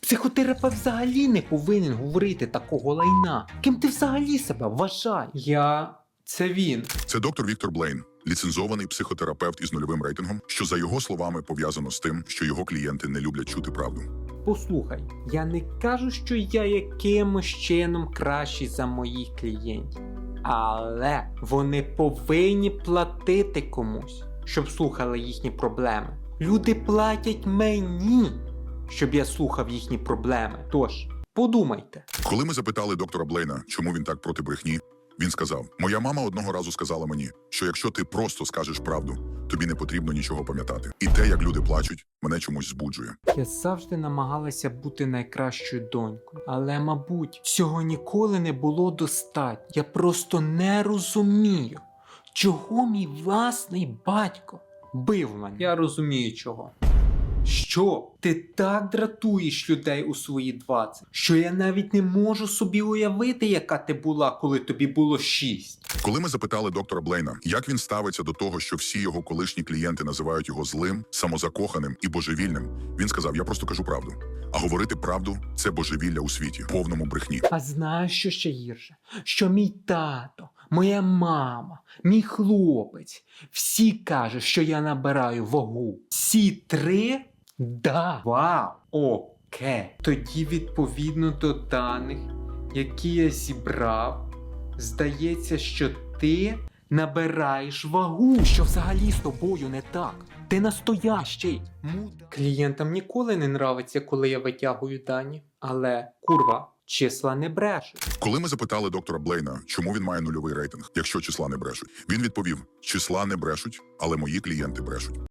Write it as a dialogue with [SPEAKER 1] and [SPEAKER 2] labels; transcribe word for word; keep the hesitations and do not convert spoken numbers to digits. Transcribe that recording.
[SPEAKER 1] Психотерапевт взагалі не повинен говорити такого лайна. Ким ти взагалі себе вважаєш? Я... це він.
[SPEAKER 2] Це доктор Віктор Блейн, ліцензований психотерапевт із нульовим рейтингом, що, за його словами, пов'язано з тим, що його клієнти не люблять чути правду.
[SPEAKER 1] Послухай, я не кажу, що я якимось чином кращий за моїх клієнтів. Але вони повинні платити комусь, щоб слухали їхні проблеми. Люди платять мені, щоб я слухав їхні проблеми. Тож, подумайте.
[SPEAKER 2] Коли ми запитали доктора Блейна, чому він так проти брехні, він сказав: «Моя мама одного разу сказала мені, що якщо ти просто скажеш правду, тобі не потрібно нічого пам'ятати. І те, як люди плачуть, мене чомусь збуджує».
[SPEAKER 1] Я завжди намагалася бути найкращою донькою, але, мабуть, цього ніколи не було достатньо. Я просто не розумію, чого мій власний батько бив мене. Я розумію чого. Що? Ти так дратуєш людей у свої двадцять, що я навіть не можу собі уявити, яка ти була, коли тобі було шість.
[SPEAKER 2] Коли ми запитали доктора Блейна, як він ставиться до того, що всі його колишні клієнти називають його злим, самозакоханим і божевільним, він сказав: «Я просто кажу правду. А говорити правду – це божевілля у світі, повному брехні».
[SPEAKER 1] А знаєш, що ще гірше? Що мій тато, моя мама, мій хлопець, всі кажуть, що я набираю вагу. Всі три? Да. Вау. Окей. Тоді, відповідно до даних, які я зібрав, здається, що ти набираєш вагу. Що взагалі з тобою не так? Ти настоящий. Муда. Клієнтам ніколи не нравиться, коли я витягую дані. Але, курва, числа не брешуть.
[SPEAKER 2] Коли ми запитали доктора Блейна, чому він має нульовий рейтинг, якщо числа не брешуть, він відповів: «Числа не брешуть, але мої клієнти брешуть».